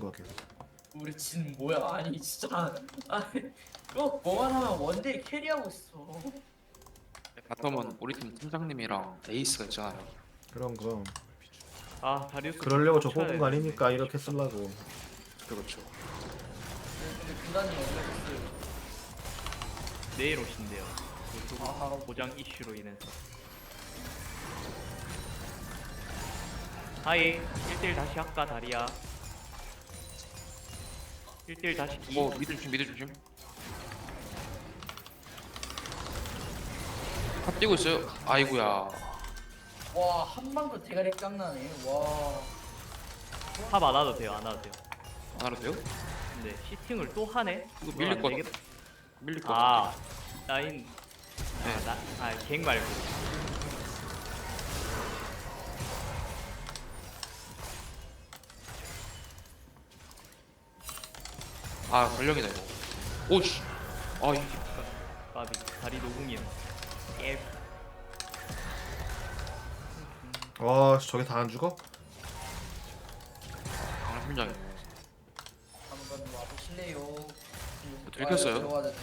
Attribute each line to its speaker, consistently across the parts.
Speaker 1: 거야 계속.
Speaker 2: 우리 진 뭐야? 아니 진짜 아니 또 뭐만 하면 원딜 캐리하고 있어.
Speaker 3: 바텀은 우리 팀 팀장님이랑 에이스가 있잖아요.
Speaker 1: 그럼
Speaker 4: 아 다리우스
Speaker 1: 그러려고 저
Speaker 4: 쳐야
Speaker 1: 뽑은 거
Speaker 4: 되는데.
Speaker 1: 아닙니까? 이렇게 쓰려고.
Speaker 3: 그렇죠.
Speaker 2: 근데 군단이 어디 갔어요?
Speaker 4: 내일 오신대요.
Speaker 2: 아,
Speaker 4: 보장 이슈로 인해서. 하이 1대1 다시 할까 다리야. 1대1 다시 기.
Speaker 3: 미드 조심 미드 조심. 탑 뛰고 있어요. 아이구야.
Speaker 2: 와 한방도 대가리 깡나네. 와.
Speaker 4: 탑 안 와도 돼요 안 와도 돼요.
Speaker 3: 안 알아도 돼요?
Speaker 4: 근데 시팅을 또 하네?
Speaker 3: 이거
Speaker 4: 그건
Speaker 3: 밀릴
Speaker 4: 안
Speaker 3: 것
Speaker 4: 되겠다.
Speaker 3: 밀릴 것
Speaker 4: 아
Speaker 3: 같아.
Speaker 4: 라인
Speaker 3: 네.
Speaker 4: 갱 말고
Speaker 3: 아 전령이다 이거. 오씨. 아 이.
Speaker 4: 까비 다리 노궁이야. 깨.
Speaker 1: 와 저게 다 안 죽어?
Speaker 3: 강한 심장이네.
Speaker 2: 한번 와보실래요?
Speaker 3: 들켰어요?
Speaker 2: 들어가야 되네.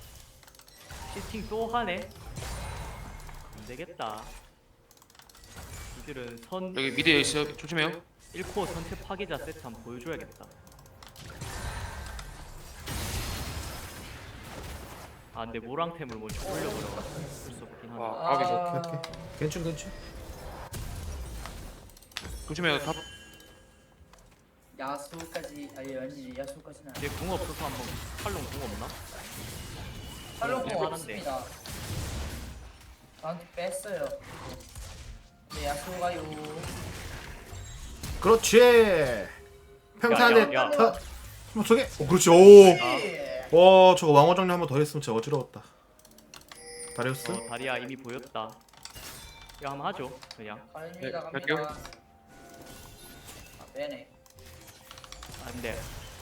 Speaker 4: 시팅 또 하네? 안 되겠다. 이들은 선
Speaker 3: 여기 미드에 있어요. 조심해요.
Speaker 4: 1코어 전체 파괴자 세트 한번 보여줘야겠다. 아 근데 모랑템을 먼저 올려버려가지고 볼수 없긴 하네.
Speaker 3: 와 까비.
Speaker 1: 오케이. 괜찮.
Speaker 3: 조심해요 탑.
Speaker 2: 야수까지 아니 야수까지는 아니.
Speaker 4: 얘 궁 없어서 한번 팔롱 궁 없나?
Speaker 2: 팔로우
Speaker 4: 하는데.
Speaker 2: 없습니다. 나한테 뺐어요. 네 야수가요.
Speaker 1: 그렇지. 평탄에
Speaker 4: 야.
Speaker 1: 뭐 저게? 그렇지. 오.
Speaker 2: 예.
Speaker 1: 와 저거 왕호 정리 한 번 더 했으면 진짜 어지러웠다. 다리우스?
Speaker 4: 다리야 이미 보였다. 이거 한번 하죠 그냥.
Speaker 2: 갑니다
Speaker 3: 네, 갈게요.
Speaker 2: 갑니다. 아 빼네.
Speaker 4: 안돼.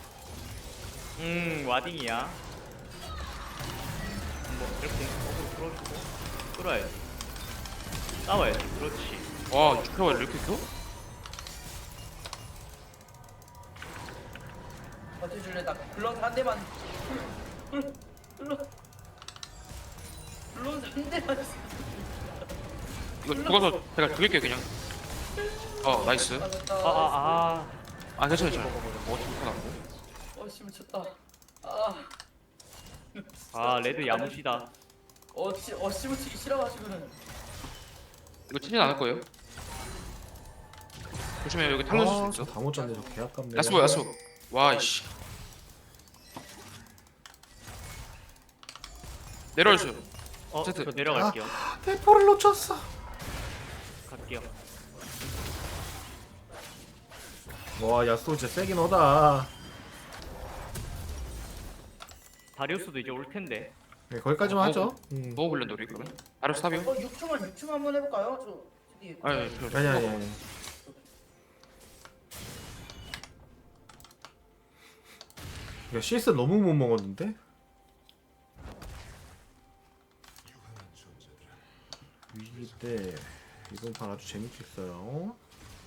Speaker 4: 와딩이야. 뭐 이렇게 어그로 끌어주고 끌어야지. 싸워야지. 그렇지.
Speaker 3: 와 축하와 이렇게 켜?
Speaker 2: 버텨줄래? 나 블런 한 대만. 블런 한 대만.
Speaker 3: 이거 죽어서 제가 죽일게요 그냥. 나이스.
Speaker 4: 아
Speaker 3: 괜찮아. 죽어나고.
Speaker 2: 씨 미쳤다. 아.
Speaker 4: 레드 야무시다.
Speaker 2: 씨 미치기 싫어가지고는.
Speaker 3: 이거 치진 않을 거예요. 조심해요. 여기 탈론
Speaker 1: 아,
Speaker 3: 수 있어.
Speaker 1: 다 못 잡네. 저 개 아깝네.
Speaker 3: 야수. 와 이씨. 내려와주세요. 세트.
Speaker 4: 저 내려갈게요.
Speaker 1: 대포를 놓쳤어.
Speaker 4: 갈게요.
Speaker 1: 와 야수 진짜 세긴 하다.
Speaker 4: 다리우스도 이제 올 텐데.
Speaker 1: 네, 거기까지만 하죠.
Speaker 3: 뭐 훈련도 우리 그러면? 아르스 탑이요?
Speaker 2: 6층 한번 해볼까요? 저기.
Speaker 3: 아니
Speaker 1: 아니. 야 CS 너무 못 먹었는데? 위기 때 이번 판 아주 재밌겠어요.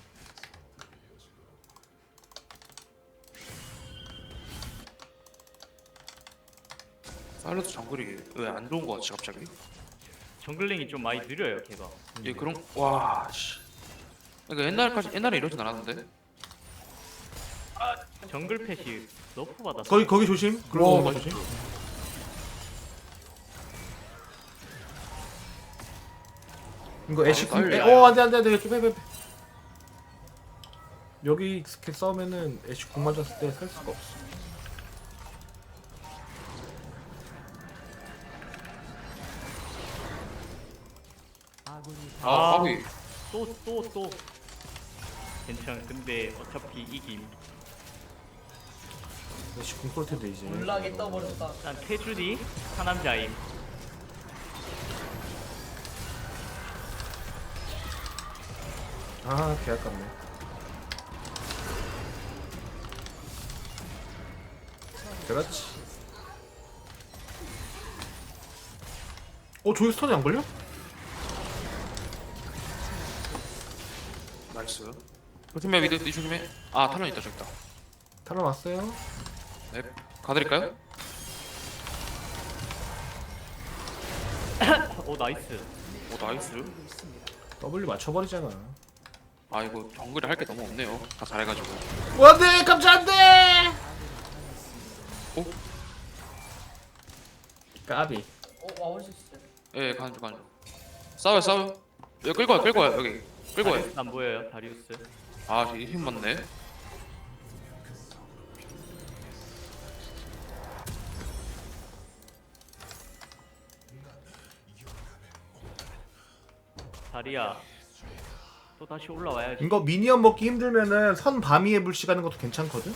Speaker 3: 사일러스 정글이 왜 안 좋은 거 같지 갑자기?
Speaker 4: 정글링이 좀 많이 느려요 걔가.
Speaker 3: 예 그런 와 씨. 그러니까 옛날에 이러진 않았는데.
Speaker 4: 정글 펫이 너프 받았어.
Speaker 1: 거기 조심. 글로우
Speaker 3: 맞아.
Speaker 1: 조심. 이거 애쉬
Speaker 3: 빨리
Speaker 1: 궁.
Speaker 3: 와요.
Speaker 1: 안돼 좀 빼. 여기 스킬 싸우면은 애쉬 궁 맞았을 때 살 수가 없어.
Speaker 3: 까비.
Speaker 4: 또. 괜찮아. 근데 어차피 이김.
Speaker 1: 애쉬 궁 쏠 텐데 이제.
Speaker 2: 몰락에 떠버렸다.
Speaker 4: 일단 태준이 하남자임.
Speaker 1: 개 아깝네. 그렇지. 저기 스턴이 안 걸려?
Speaker 3: 나이스. 조심해 미드 조심해. 탈론 있다 저기 있다.
Speaker 1: 탈론 왔어요.
Speaker 3: 네. 가드릴까요?
Speaker 4: 오 나이스.
Speaker 3: 오 나이스.
Speaker 1: W 맞춰버리잖아.
Speaker 3: 아 이거 정글이 할 게 너무 없네요. 다 잘해가지고.
Speaker 1: 안돼 깜짝 안돼.
Speaker 3: 오?
Speaker 1: 까비.
Speaker 2: 와올 수 있어요.
Speaker 3: 예, 가는 중 가는 중. 싸워요 싸워요. 여기 끌고 와요 여기. 끌고 와요.
Speaker 4: 다리우스 안 보여요 다리우스.
Speaker 3: 아, 힘 맞네.
Speaker 4: 다리야. 또 다시 올라와야지.
Speaker 1: 이거 미니언 먹기 힘들면은 선 밤위에 불씨 가는 것도 괜찮거든.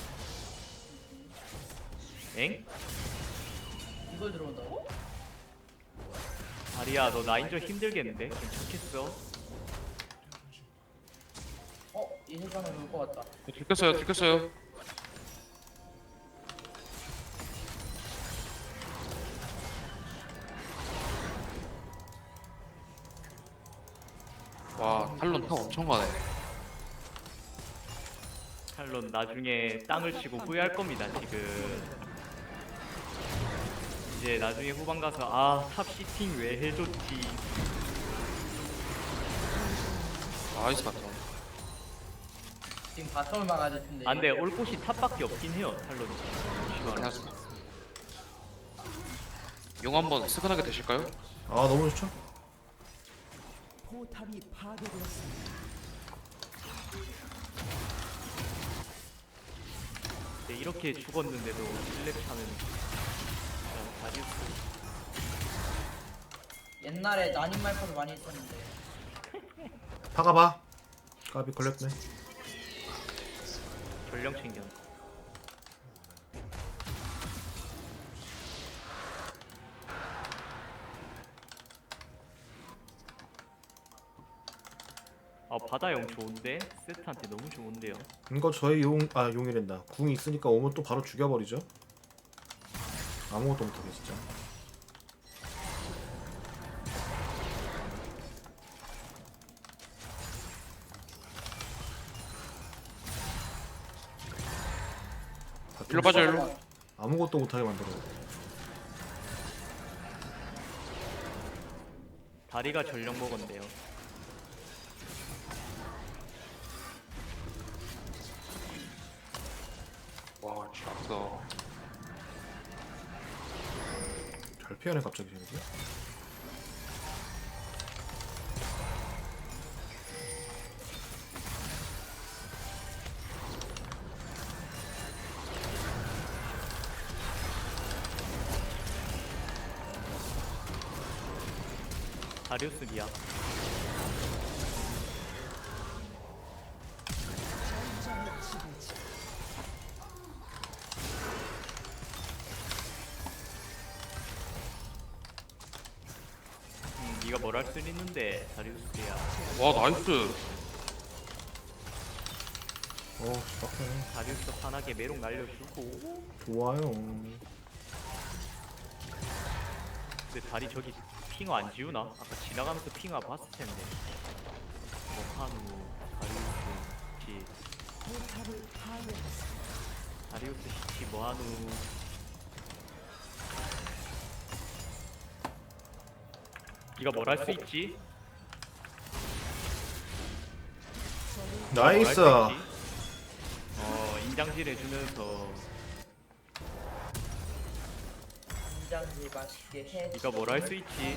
Speaker 4: 엥?
Speaker 2: 이걸 들어온다고?
Speaker 4: 다리야 너 라인전 힘들겠는데? 괜찮겠어?
Speaker 2: 이 세상에 올것 같다.
Speaker 3: 들켰어요. 와, 탈론 타 엄청 가네.
Speaker 4: 탈론 나중에 땅을 치고 후회할 겁니다 지금. 이제 나중에 후반 가서 아 탑 시팅 왜 해줬지.
Speaker 3: 나이스 같아.
Speaker 2: 지금 바텀을 막아야 될 텐데.
Speaker 4: 안돼 올 곳이 탑밖에 없긴 해요 탈론이.
Speaker 3: 안녕하세요. 용 한번 스근하게 되실까요?
Speaker 1: 아 너무 좋죠.
Speaker 5: 포탑이 파괴되었습니다.
Speaker 4: 근데 이렇게 죽었는데도 1렙 차는 그냥 다리우스.
Speaker 2: 옛날에 난임 말파도 많이 했었는데.
Speaker 1: 박아봐. 까비 걸렸네.
Speaker 4: 전령 챙겨. 아 바다용 좋은데? 세트한테 너무 좋은데요.
Speaker 1: 이거 저희 용이란다. 궁이 있으니까 오면 또 바로 죽여버리죠. 아무것도 못하게 진짜.
Speaker 3: 일로 빠져 일로.
Speaker 1: 아무것도 못하게 만들어.
Speaker 4: 다리가 전령 먹었는데요.
Speaker 3: 와, 진짜 아프다.
Speaker 1: 잘 피하네 갑자기 쟤네들.
Speaker 4: 다리우스 미야. 네가 뭘 할 수 있는데 다리우스야.
Speaker 3: 와, 나이스.
Speaker 1: 빡세네.
Speaker 4: 다리우스 편하게 메롱 날려주고.
Speaker 1: 좋아요.
Speaker 4: 근데 다리 저기 핑어 안 지우나? 아까 지나가면서 핑어 봤을 텐데. 뭐 한우, 다리우스, 시,
Speaker 5: 포탑을 파괴했습니다.
Speaker 4: 다리우스 시치 뭐 한우. 네가 뭘 할 수 있지?
Speaker 1: 나이스.
Speaker 4: 인장질 해주면서
Speaker 2: 인장질 맛있게 해.
Speaker 4: 네가 뭘 할 수 있지?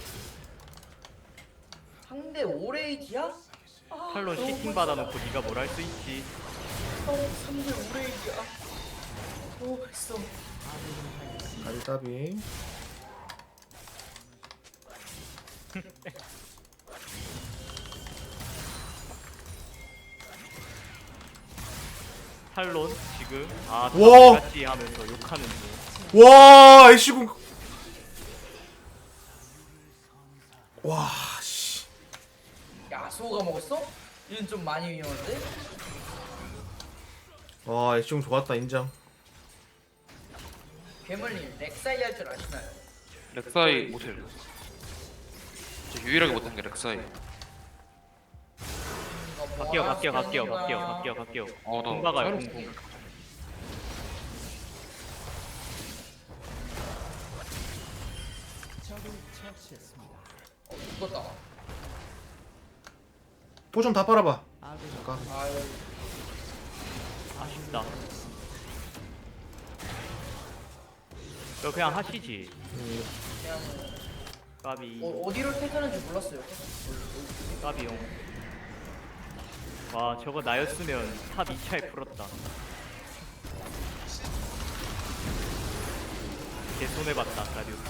Speaker 2: 상대 오레이디야?
Speaker 4: 탈론 시팅 받아놓고 네가 뭘 할 수 있지?
Speaker 2: 상대 오레이디야. 너무 맛있어.
Speaker 1: 까비 까비.
Speaker 4: 탈론 지금 아
Speaker 1: 와!
Speaker 4: 같이 하면서 욕하는 중.
Speaker 1: 와 애쉬궁. 와 씨.
Speaker 2: 야수호가 먹었어? 이건 좀 많이 위험한데?
Speaker 1: 와 애쉬궁 좋았다 인정.
Speaker 2: 괴물님 렉사이 할 줄 아시나요?
Speaker 3: 렉사이 못해요. 진짜 유일하게 못한 게 렉사이.
Speaker 2: 이거 뭐
Speaker 4: 갈게요.
Speaker 2: 하나
Speaker 4: 어, 나
Speaker 2: 시켜놓은 거야.
Speaker 3: 나
Speaker 4: 공 박아요
Speaker 3: 사이로
Speaker 4: 공.
Speaker 2: 죽었다.
Speaker 1: 포션 다 빨아봐.
Speaker 5: 아군이
Speaker 1: 잠깐.
Speaker 2: 아유.
Speaker 4: 아쉽다. 너 그냥 하시지.
Speaker 2: 그냥
Speaker 4: 까비.
Speaker 2: 어디로 퇴근하는지 몰랐어요.
Speaker 4: 까비용. 와 저거 나였으면 탑 2차에 풀었다. 개 손해봤다 다리우스.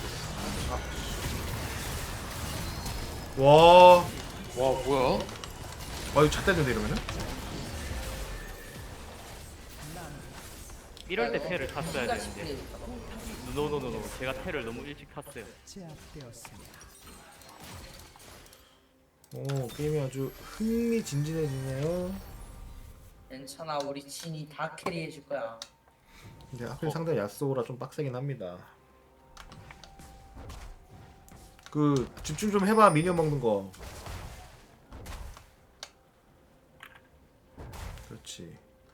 Speaker 1: 와.
Speaker 3: 와 뭐야?
Speaker 1: 아 이거 찼댔는데 이러면은?
Speaker 4: 이럴 때 패를 탔어야 되는데. 노노노노. 제가 패를 너무 일찍 탔어요.
Speaker 5: 제압되었습니다.
Speaker 1: 오 게임이 아주 흥미진진해지네요.
Speaker 2: 괜찮아, 우리 친이 다 캐리해줄 거야.
Speaker 1: 근데 하필 상대 야스오라 좀 빡세긴 합니다. 그 집중 좀 해봐 미니언 먹는 거. 그렇지.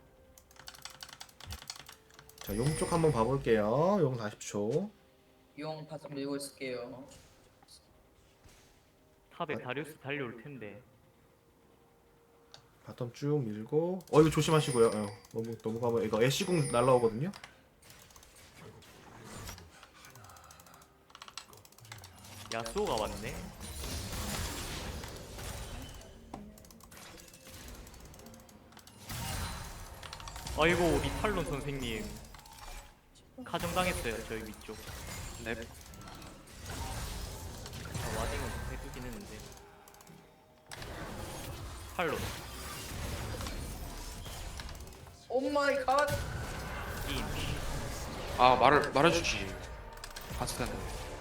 Speaker 1: 자, 용 쪽 한번 봐볼게요. 용 40초.
Speaker 2: 용 바짝 밀고 있을게요.
Speaker 4: 탑에 다리우스 달려올 텐데.
Speaker 1: 바텀 쭉 밀고. 이거 조심하시고요. 너무 가면 이거 애쉬궁 날라오거든요.
Speaker 4: 야스오가 왔네. 아이고 우리 탈론 선생님 가정당했어요 저희 위쪽.
Speaker 3: 네.
Speaker 4: 와딩은 좀 해두긴 했는데. 탈론
Speaker 2: 오 마이 갓.
Speaker 4: 임.
Speaker 3: 아 말해주지. 봤을 텐데.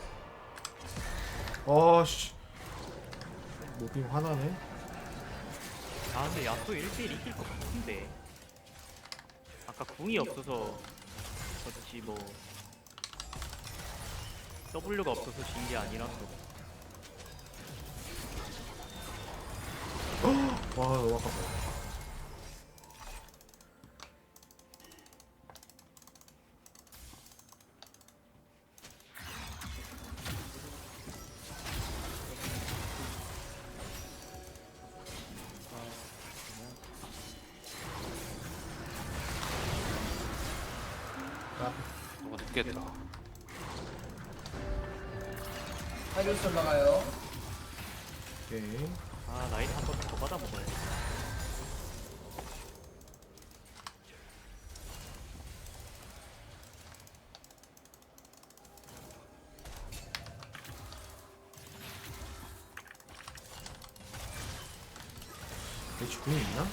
Speaker 1: 씨. 모빙 화나네.
Speaker 4: 아 근데 야스오 1대1 이길 것 같은데. 아까 궁이 없어서 그렇지 뭐 W가 없어서 진 게 아니라서.
Speaker 1: 와 너무 아깝다.
Speaker 3: 너가 늦겠다.
Speaker 2: 다리우스 올라가요.
Speaker 1: 오케이.
Speaker 4: 아 라인 한 번 더 받아 먹어야 돼.
Speaker 1: 애쉬궁이 있나?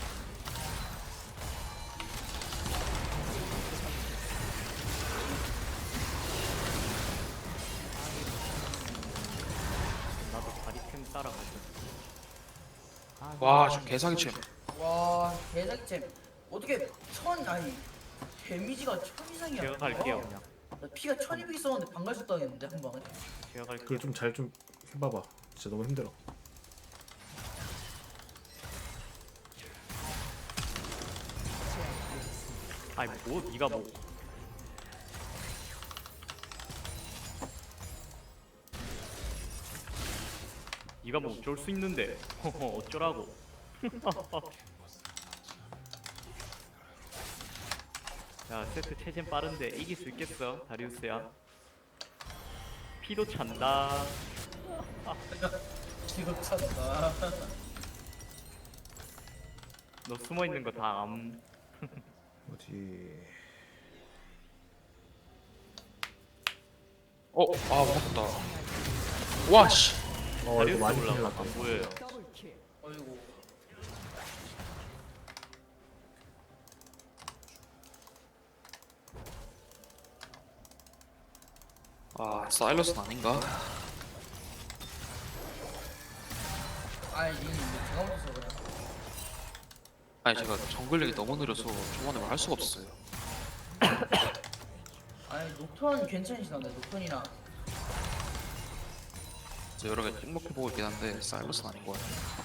Speaker 4: 나도 다리템 따라가자.
Speaker 3: 와 저 개사기챔.
Speaker 2: 와, 대작잼. 어떻게 아니 데미지가 1000 이상이야.
Speaker 4: 제가 갈게요 그냥.
Speaker 2: 나 피가 1200 있었는데 반갈수 당했는데 한 방에.
Speaker 4: 제가 갈게요.
Speaker 1: 그거 좀 잘 좀 해봐봐. 진짜 너무 힘들어.
Speaker 4: 아니 뭐 니가 뭐 니가 뭐 어쩔 수 있는데 어쩌라고. 야 세트 체젠 빠른데 이길 수 있겠어 다리우스야. 피도 찬다.
Speaker 2: 지금 찾다.
Speaker 4: 너 숨어있는 거 다 암.
Speaker 1: 어디?
Speaker 3: 맞다. 와 씨.
Speaker 1: 이거
Speaker 4: 다리우스
Speaker 1: 많이 큰일
Speaker 4: 올라가
Speaker 1: 났다.
Speaker 4: 안 보여요.
Speaker 5: 더블킬.
Speaker 2: 어이구.
Speaker 3: 사일러스는 아닌가?
Speaker 2: 아니 니 제가 못해서 그래.
Speaker 3: 아니 제가 정글력이 너무 느려서 초반에 말 할 수가 없었어요.
Speaker 2: 아니 녹턴 괜찮으시던데 녹턴이나.
Speaker 3: 그래서 여러 개 찍먹해보고 있긴 한데 사일러스는 아닌 것 같아요.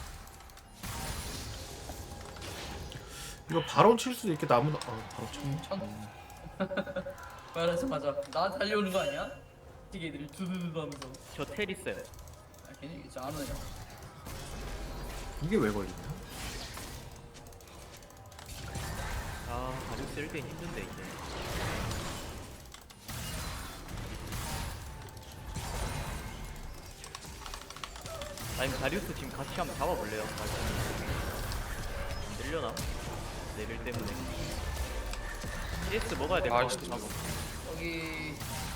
Speaker 1: 이거 바론 칠 수도 있겠다. 아무도 바로 쳤네.
Speaker 2: 말하자마자 나 달려오는 거 아니야? 되게 애들이 두두두 하면서.
Speaker 4: 저 텔 있어요.
Speaker 2: 걔네 이제 안 오냐.
Speaker 1: 이게 왜 걸리냐?
Speaker 4: 아 가죽 쓸때 힘든데 이제. 아니면 다리우스 지금 같이 한번 잡아볼래요? 안 들려나? 레벨 때문에. CS 먹어야 될 것
Speaker 3: 아,
Speaker 4: 같아.
Speaker 3: 진짜.
Speaker 2: 여기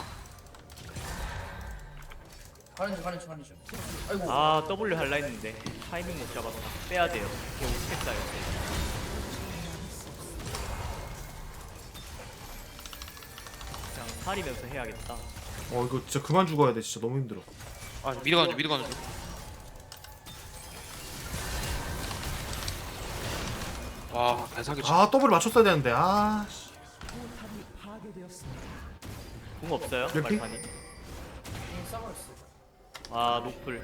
Speaker 2: 가는 중. 아이고.
Speaker 4: 아 W 할라 했는데 타이밍 못 잡았다. 빼야 돼요. 걔 오스펙사였대. 그냥 살이면서 해야겠다.
Speaker 1: 이거 진짜 그만 죽어야 돼. 진짜 너무 힘들어.
Speaker 3: 아 미드 가는 중 미드 가는 중. 와 대사기 치.
Speaker 1: 아 더블 맞췄어야 되는데. 아 씨.
Speaker 5: 포탑이 파괴되었습니다.
Speaker 4: 궁 없어요?
Speaker 1: 이렇게?
Speaker 4: 말판이?
Speaker 2: 싸버렸어.
Speaker 4: 아 노플.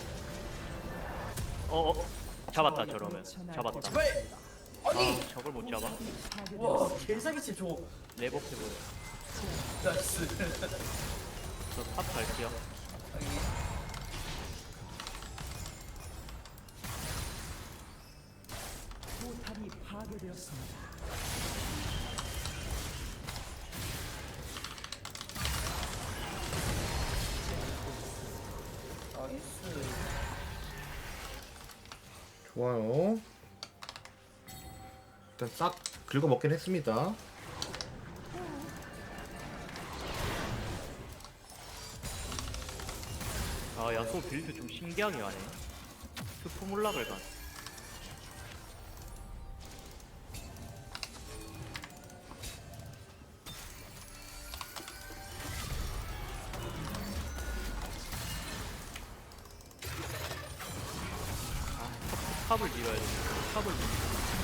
Speaker 4: 잡았다 저러면. 잡았다.
Speaker 2: 제발. 아니.
Speaker 4: 아 저걸 못 잡아?
Speaker 2: 와 개사기치 저.
Speaker 4: 레버해버려.
Speaker 2: 나이스.
Speaker 4: 저 탑 갈게요.
Speaker 2: 여기.
Speaker 5: 포탑이 파괴되었습니다.
Speaker 2: 나이스.
Speaker 1: 좋아요. 일단 싹 긁어 먹긴 했습니다.
Speaker 4: 아 야소 빌드 좀 신기하게 하네. 스포몰락을 가. 탑을 밀어야 돼. 탑을 밀어.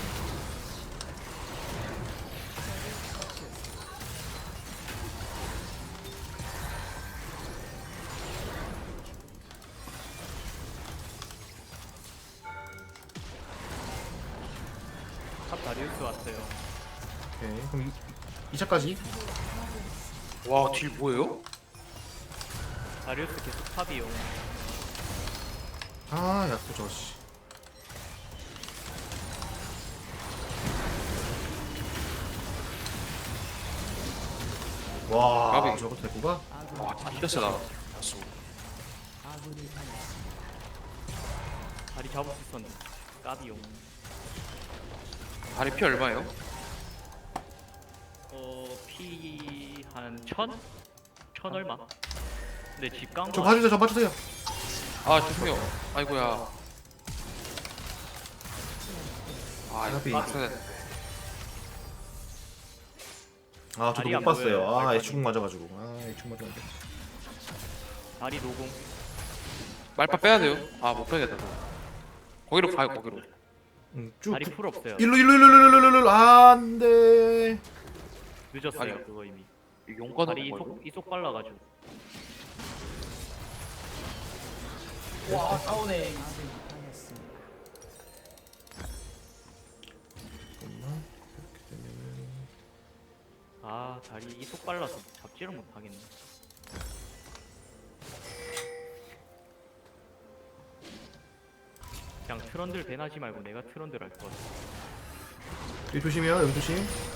Speaker 4: 탑 다리우스 왔어요.
Speaker 1: 오케이. 그럼 2차까지.
Speaker 3: 와딜 뭐예요?
Speaker 4: 다리우스 계속 탑이요.
Speaker 1: 아 야수 저씨. 와
Speaker 3: 까비.
Speaker 1: 저거 대구가?
Speaker 3: 와 진짜 세다. 야수.
Speaker 5: 아군이 당했습니다.
Speaker 4: 다리 잡을 수 있었는데. 까비용.
Speaker 3: 다리 피 얼마예요?
Speaker 4: 피 한 1000? 1000 얼마? 근데 집 간
Speaker 1: 저
Speaker 4: 거
Speaker 1: 봐주세요. 저 봐주세요.
Speaker 3: 아 죄송해요. 아이고야. 아
Speaker 1: 까비.
Speaker 3: 이거 맞춰야 돼.
Speaker 1: 아 저도
Speaker 4: 다리
Speaker 1: 못
Speaker 4: 안
Speaker 1: 봤어요.
Speaker 4: 보여요,
Speaker 1: 아
Speaker 4: 발판이.
Speaker 1: 애축 맞아가지고. 아 애축 맞았는데.
Speaker 4: 다리 노공.
Speaker 3: 말파 빼야 돼요. 아 못 빼겠다. 거기로 가요 거기로.
Speaker 1: 쭉.
Speaker 4: 다리 풀 없어요.
Speaker 1: 일로 안돼.
Speaker 4: 늦었어요
Speaker 3: 아니.
Speaker 4: 그거 이미.
Speaker 3: 용건
Speaker 4: 다리
Speaker 3: 없는 거
Speaker 4: 이속 빨라가지고.
Speaker 2: 와 싸우네.
Speaker 5: 아군이 당했습니다.
Speaker 4: 아 다리 이속 빨라서 잡지를 못하겠네. 그냥 트런들 배나지 말고 내가 트런들 할 것 같아.
Speaker 1: 여기 조심해요. 여기 조심.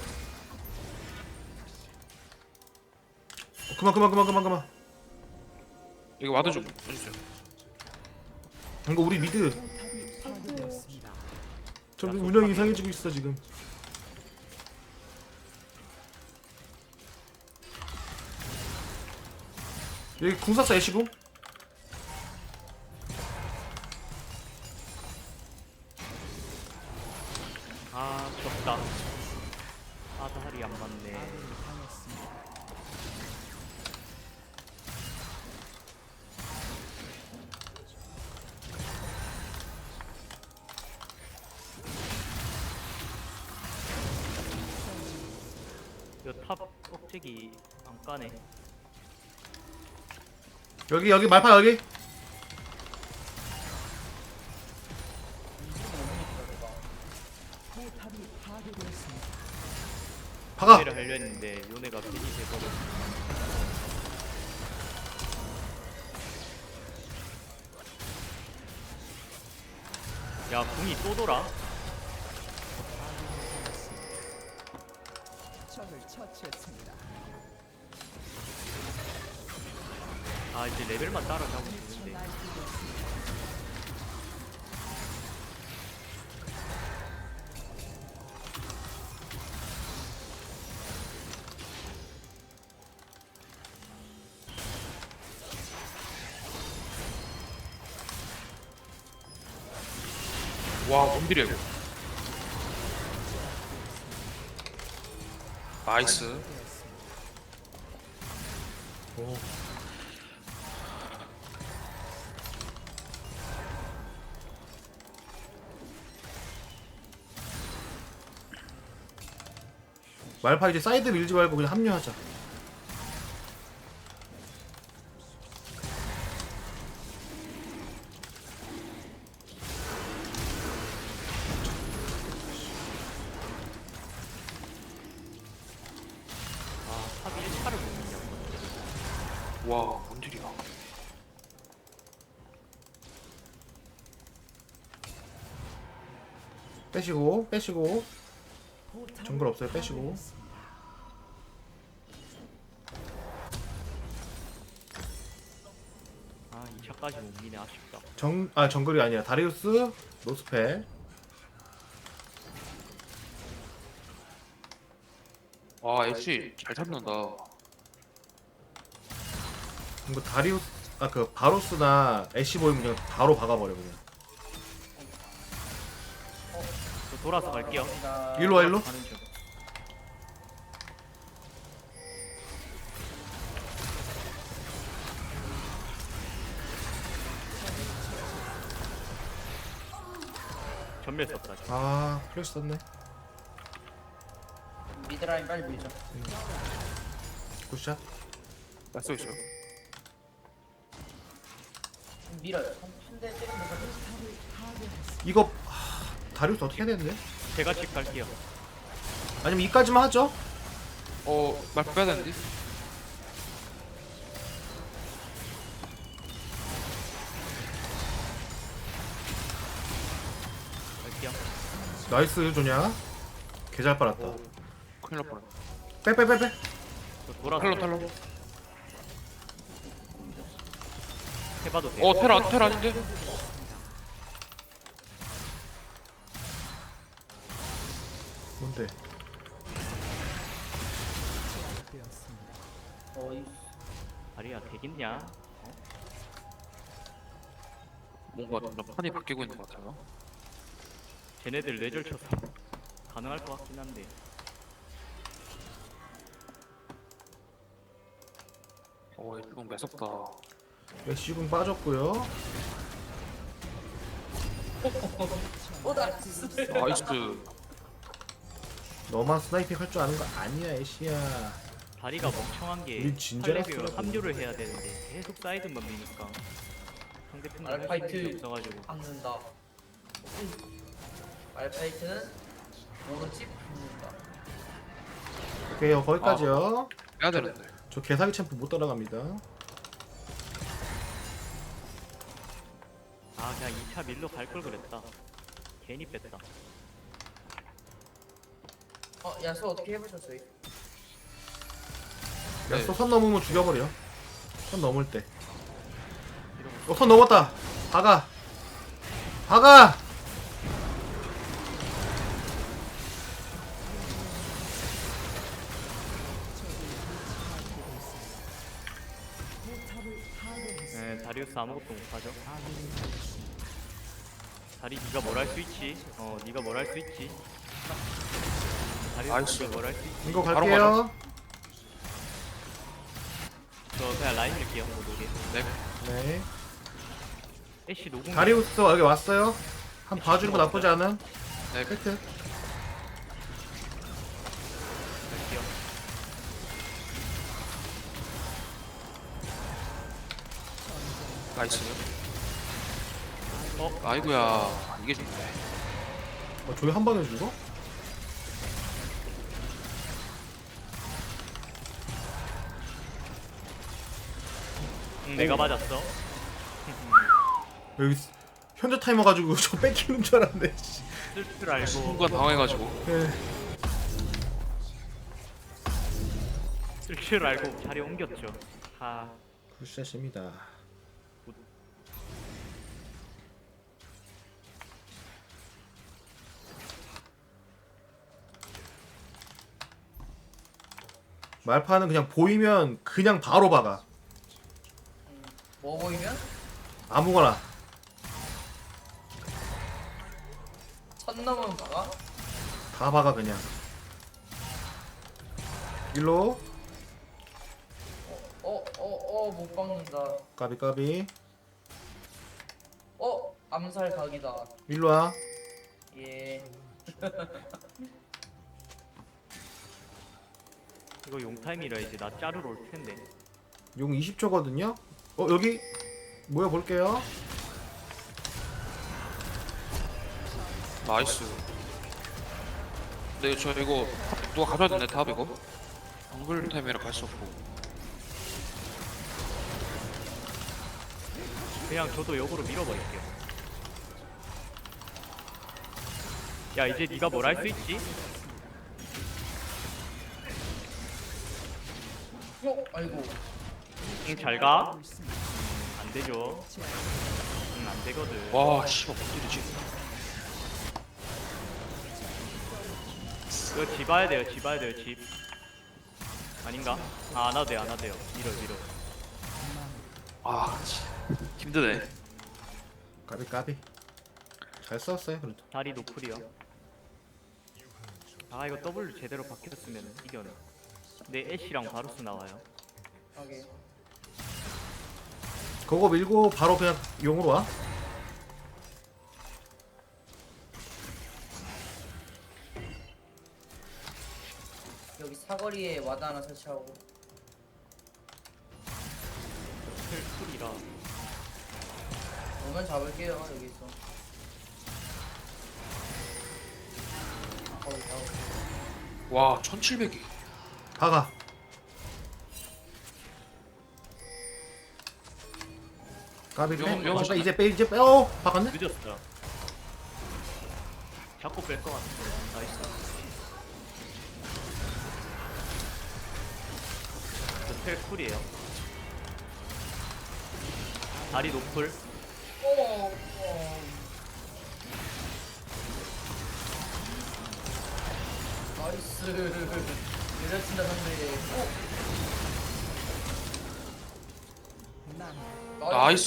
Speaker 1: 그만.
Speaker 3: 여기 와도 좀 해주세요.
Speaker 1: 이거 우리 미드.
Speaker 5: 포탑이 파괴되었습니다.
Speaker 1: 좀 운영 이상해지고 있어 지금. 여기 궁 쐈어 애쉬궁.
Speaker 4: 아 졌다. 아다리 안 맞네.
Speaker 5: 아군이 당했습니다.
Speaker 4: 이탑 억제기 안 까네.
Speaker 1: 여기 말파 여기.
Speaker 5: 포탑이 파괴되었습니다.
Speaker 1: 박아.
Speaker 4: 요네를 하려 했는데 요네가 괜히 돼버려. 야 궁이 또 돌아?
Speaker 5: 적을 처치했습니다.
Speaker 4: 아 이제 레벨만 따라가면 되는데.
Speaker 3: 와 뭔딜이야 이거. 나이스.
Speaker 1: 오. 말파 이제 사이드 밀지 말고 그냥 합류하자.
Speaker 4: 아 탑이 1차를 못 먹냐.
Speaker 3: 와 뭔딜이야.
Speaker 1: 빼시고 빼시고
Speaker 5: 포탑을
Speaker 1: 정글 없어요. 빼시고.
Speaker 5: 파괴했습니다.
Speaker 4: 아 2차까지 못 미네 아쉽다.
Speaker 1: 정글이 아니라 다리우스 노스펠.
Speaker 3: 와 애쉬 잘 잡는다.
Speaker 1: 이거 다리우스 그 바로스나 애쉬 보이면 그냥 바로 박아버려 그냥.
Speaker 4: 저 돌아서 갈게요.
Speaker 2: 감사합니다.
Speaker 1: 일로 와 일로.
Speaker 4: 가는 중. 전멸 썼다. 지금.
Speaker 1: 아 플래시 썼네.
Speaker 2: 미드라인 빨리 밀죠.
Speaker 1: 굿샷.
Speaker 3: 나이스 있어.
Speaker 2: 밀어요. 한대 때리면
Speaker 1: 이거 다리우스 어떻게 해야 되는데?
Speaker 4: 제가 집 갈게요.
Speaker 1: 아니면 이까지만 하죠?
Speaker 3: 말파 빼야 되는데.
Speaker 4: 갈게요.
Speaker 1: 나이스 조냐. 개 잘 빨았다.
Speaker 3: 큰일 날 뻔했네.
Speaker 1: 빼빼빼빼.
Speaker 4: 저 돌아서
Speaker 3: 탈로.
Speaker 4: 해봐도 돼.
Speaker 3: 테라 아닌데?
Speaker 1: 뭔데?
Speaker 5: 되었습니다.
Speaker 2: 어이.
Speaker 4: 아리야 되겠냐?
Speaker 3: 뭔가 점점 판이 바뀌고 있는 것 같아요.
Speaker 4: 쟤네들 뇌절 쳐서 가능할 것 같긴 한데.
Speaker 3: 이거 매섭다.
Speaker 1: 애쉬궁 빠졌고요.
Speaker 2: 나이스.
Speaker 3: 나이스.
Speaker 1: 너만 스나이핑 할 줄 아는 거 아니야 애쉬야.
Speaker 4: 다리가 멍청한 게
Speaker 1: 우리 진짜
Speaker 4: 8레벨
Speaker 1: las라고.
Speaker 4: 합류를 해야 되는데 계속 사이드만 미니까 상대편이
Speaker 2: 알파이트.
Speaker 4: 할수 없어가지고.
Speaker 2: 박는다. 알파이트는 오른집 붙는다.
Speaker 1: 오케이 거기까지요.
Speaker 3: 빼야 되는데.
Speaker 1: 저 개사기 챔프 못 따라갑니다.
Speaker 4: 아 그냥 2차 밀로 갈 걸 그랬다. 괜히 뺐다.
Speaker 2: 야수 어떻게 해보셨어요?
Speaker 3: 네.
Speaker 1: 선 넘으면 죽여버려. 선 넘을 때. 선 넘었다. 박아. 박아.
Speaker 5: 포탑을 파괴했습니다.
Speaker 4: 네, 다리우스 아무것도 못하죠. 다리 네가 뭘 할 수 있지? 네가 뭘 할 수 있지? 다리우스
Speaker 3: 나이스.
Speaker 4: 네가 뭘 할 수 있지?
Speaker 1: 이거
Speaker 3: 바로
Speaker 1: 갈게요.
Speaker 4: 저 그냥 라인 밀게요. 뭐 노게.
Speaker 3: 네.
Speaker 1: 네.
Speaker 4: 애쉬 노공.
Speaker 1: 다리우스 여기 왔어요. 한 봐주는 거 나쁘지 않은.
Speaker 3: 네.
Speaker 1: 팩트.
Speaker 4: 갈게요.
Speaker 3: 나이스.
Speaker 4: 어?
Speaker 3: 아이고야. 이게 좋네.
Speaker 1: 저기 한 방에 죽어?
Speaker 4: 내가 맞았어.
Speaker 1: 여기 현재 타이머 가지고 저 뺏기는 줄 알았네. 씨.
Speaker 4: 쓸 줄 알고
Speaker 3: 순간 당해가지고.
Speaker 1: 예.
Speaker 4: 쓸 줄 알고 자리 옮겼죠. 아
Speaker 1: 굿샷입니다. 말파는 그냥 보이면 그냥 바로 박아.
Speaker 2: 뭐 보이면?
Speaker 1: 아무거나.
Speaker 2: 천 넘으면 박아?
Speaker 1: 다 박아 그냥. 일로
Speaker 2: 못 박는다.
Speaker 1: 까비 까비.
Speaker 2: 암살 각이다.
Speaker 1: 일로 와.
Speaker 2: 예.
Speaker 4: 이거 용타임이라 이제 나 자르러 올 텐데.
Speaker 1: 용 20초거든요. 여기 모여 볼게요.
Speaker 3: 나이스. 근데 저 이거 누가 가져야 되네 탑 이거. 정글 타임이라 갈 수 없고.
Speaker 4: 그냥 저도 역으로 밀어버릴게요. 야 이제 네가 뭘 할 수 있지?
Speaker 2: 아이고.
Speaker 4: 응, 잘 가.
Speaker 5: 있습니다.
Speaker 4: 안 되죠. 응, 안 되거든.
Speaker 3: 와 씨발 못 때리지.
Speaker 4: 이거 집 와야 돼요. 집 와야 돼요. 집. 아닌가? 아, 안 와도 돼요. 안 와도 돼요. 밀어.
Speaker 3: 아 힘드네.
Speaker 1: 까비 까비. 잘 썼어요 그래도.
Speaker 4: 다리 노플이요. 아 이거 W 제대로 박혔으면 이겨내. 근데 애쉬랑 바루스 나와요.
Speaker 2: 오케이.
Speaker 1: 그거 밀고 바로 그냥 용으로 와.
Speaker 2: 여기 사거리에 와드 하나 설치하고.
Speaker 4: 풀이라.
Speaker 2: 오면 잡을게요 여기서. 거기 잡을게요.
Speaker 3: 와 1700이.
Speaker 1: 박아. 까비 빼.
Speaker 3: 용
Speaker 1: 이제 빼. 박았네.
Speaker 4: 늦었어. 자꾸 뺄 것 같은데. 나이스. 저텔 쿨이에요. 다리 노플.
Speaker 2: 나이스. 내려친다 상대.
Speaker 3: 나이스.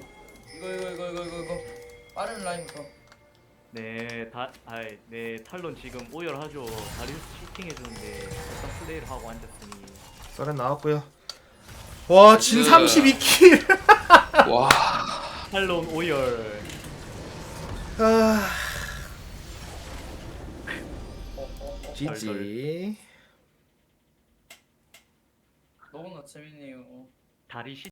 Speaker 2: 이거. 빠른 라인부터.
Speaker 4: 네, 네, 탈론 지금 오열하죠. 다리우스 치팅 해주는데 일단 플레이를 하고 앉았으니.
Speaker 1: 썰엔 나왔고요. 와, 진 32킬.
Speaker 3: 와.
Speaker 4: 탈론 오열.
Speaker 1: 아,
Speaker 2: 덜.
Speaker 1: GG.
Speaker 2: 너무나 재밌네요.
Speaker 4: 다리 시